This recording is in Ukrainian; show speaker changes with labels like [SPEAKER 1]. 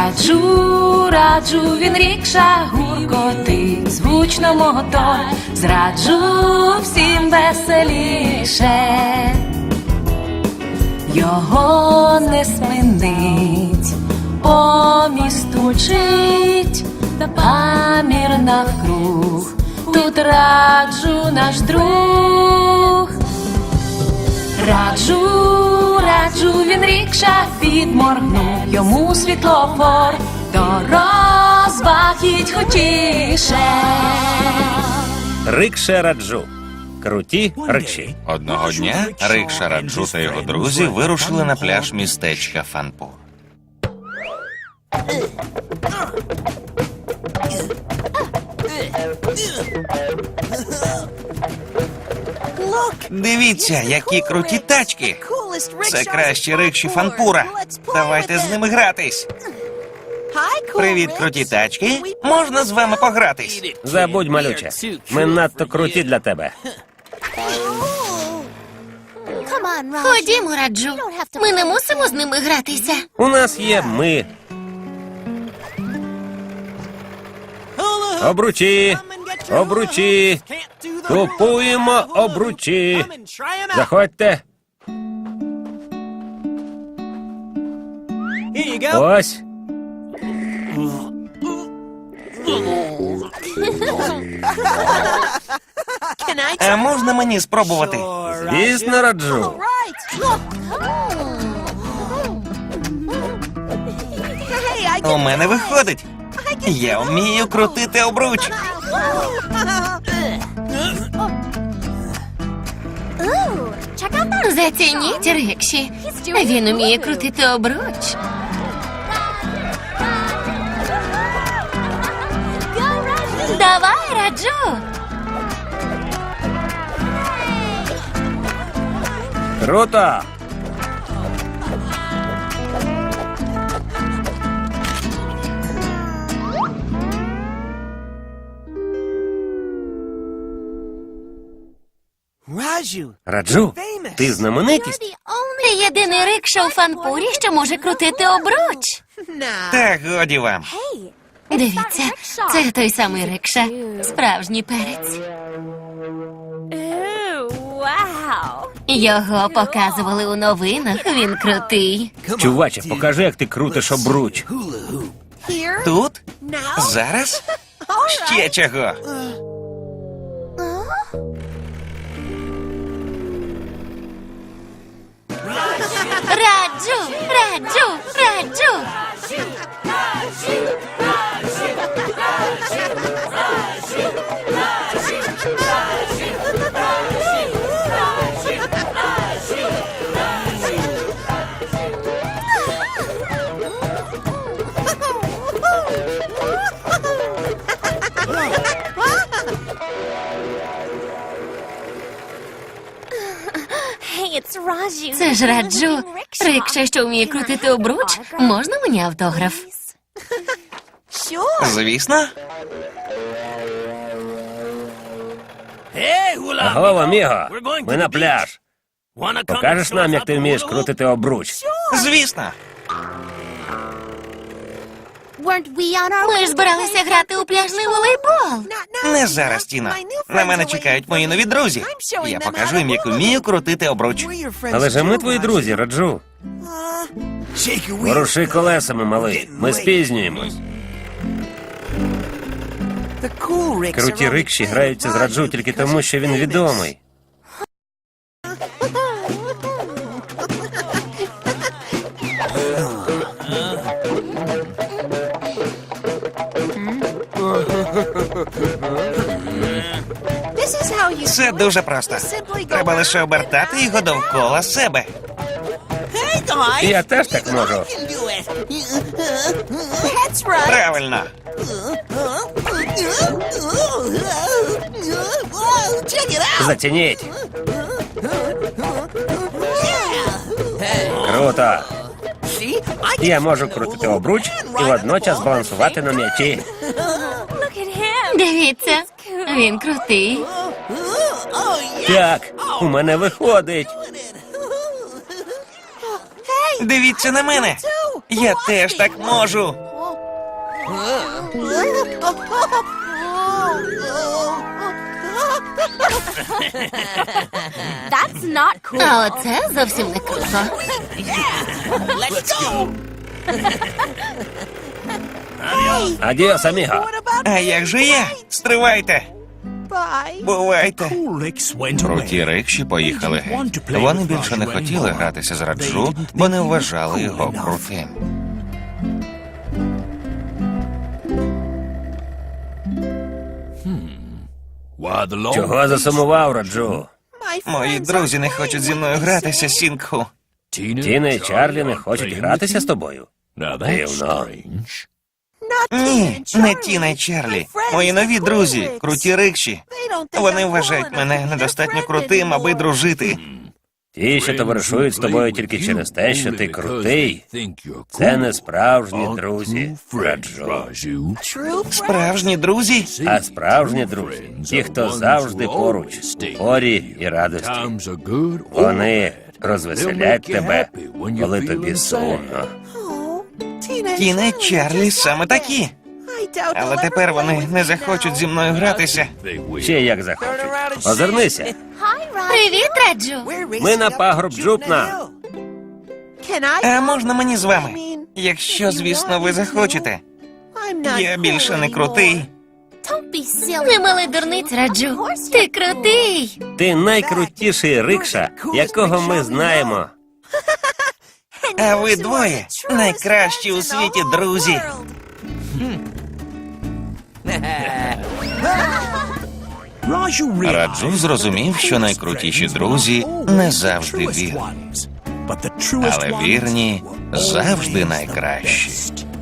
[SPEAKER 1] Раджу, раджу, він рікша гуркотить, звучно мотор, зраджу всім веселіше. Його не спинить, по місту мчить, памір навкруг, тут раджу наш друг. Раджу, раджу, він рікша підморгнув, йому світлофор, до розваг їдь хотіше.
[SPEAKER 2] Рикша Раджу. Круті рикші.
[SPEAKER 3] Одного дня Рикша Раджу та його друзі вирушили на пляж містечка Фанпур. Дивіться, які круті тачки! Це кращі рикші Фанпура. Давайте з ними гратись. Привіт, круті тачки. Можна з вами погратись?
[SPEAKER 2] Забудь, малюче. Ми надто круті для тебе.
[SPEAKER 4] Ходімо, Раджу. Ми не мусимо з ними гратися.
[SPEAKER 2] У нас є ми. Обручі. Обручі. Купуємо обручі. Заходьте. Ось.
[SPEAKER 3] А можна мені спробувати?
[SPEAKER 2] Звісно, Раджу.
[SPEAKER 3] У мене виходить. Я вмію крутити обруч.
[SPEAKER 4] Зацініть рикші. Він уміє крутити обруч. Давай, Раджу.
[SPEAKER 2] Круто. Раджу, ти знаменитість?
[SPEAKER 4] Ти єдиний рикша у Фанпурі, що може крутити обруч.
[SPEAKER 3] Та годі вам.
[SPEAKER 4] Дивіться, це той самий рикша. Справжній перець. Його показували у новинах, він крутий.
[SPEAKER 2] Чуваче, покажи, як ти крутиш обруч.
[SPEAKER 3] Тут? Зараз? Ще чого?
[SPEAKER 4] Раджу, Раджу, Раджу. Це ж Раджу. Рикша, що вміє крутити обруч. Можна мені автограф?
[SPEAKER 3] Звісно.
[SPEAKER 2] Аго, аміго, ми на пляж. Покажеш нам, як ти вмієш крутити обруч?
[SPEAKER 3] Звісно.
[SPEAKER 4] Ми ж збиралися грати у пляжний волейбол.
[SPEAKER 3] Не зараз, Тіно. На мене чекають мої нові друзі. Я покажу їм, як вмію крутити обруч.
[SPEAKER 2] Але ж ми твої друзі, Раджу. Воруши колесами, малий. Ми спізнюємось. Круті рикші граються з Раджу тільки тому, що він відомий.
[SPEAKER 3] Це дуже просто. Треба лише обертати його довкола себе.
[SPEAKER 2] Я теж так можу.
[SPEAKER 3] Правильно.
[SPEAKER 2] Зацініть. Круто. Я можу крутити обруч і водночас балансувати на м'ячі.
[SPEAKER 4] Дивіться, він крутий.
[SPEAKER 2] Так, у мене виходить.
[SPEAKER 3] Дивіться на мене. Я теж так можу.
[SPEAKER 4] А оце зовсім не круто.
[SPEAKER 2] Адіос, аміго.
[SPEAKER 3] А як же я? Стривайте! Бувайте! Круті рикші поїхали геть. Вони більше не хотіли гратися з Раджу, бо не вважали його крутим.
[SPEAKER 2] Чого засумував, Раджу?
[SPEAKER 3] Мої друзі не хочуть зі мною гратися, Сінгху.
[SPEAKER 2] Тіна і Чарлі не хочуть гратися з тобою? Дивно.
[SPEAKER 3] Ні, не Тіна й Чарлі. Мої нові друзі, круті рикші. Вони вважають мене недостатньо крутим, аби дружити.
[SPEAKER 2] Ті, що товаришують з тобою тільки через те, що ти крутий, це не справжні друзі, Раджу.
[SPEAKER 3] Справжні друзі?
[SPEAKER 2] А справжні друзі, ті, хто завжди поруч, у горі і радості. Вони розвеселять тебе, коли тобі сумно.
[SPEAKER 3] Тіна й Чарлі саме такі. Але тепер вони не захочуть зі мною гратися.
[SPEAKER 2] Ще як захочуть. Озирнися,
[SPEAKER 4] Привіт, Раджу.
[SPEAKER 2] ми на пагорб Джупна.
[SPEAKER 3] А можна мені з вами? Якщо, звісно, ви захочете. Я більше не крутий.
[SPEAKER 4] Не малий дурниць, Раджу. Ти крутий.
[SPEAKER 2] Ти найкрутіший рикша, якого ми знаємо.
[SPEAKER 3] А ви двоє найкращі у світі друзі. Раджу зрозумів, що найкрутіші друзі не завжди вірні. Але вірні завжди найкращі.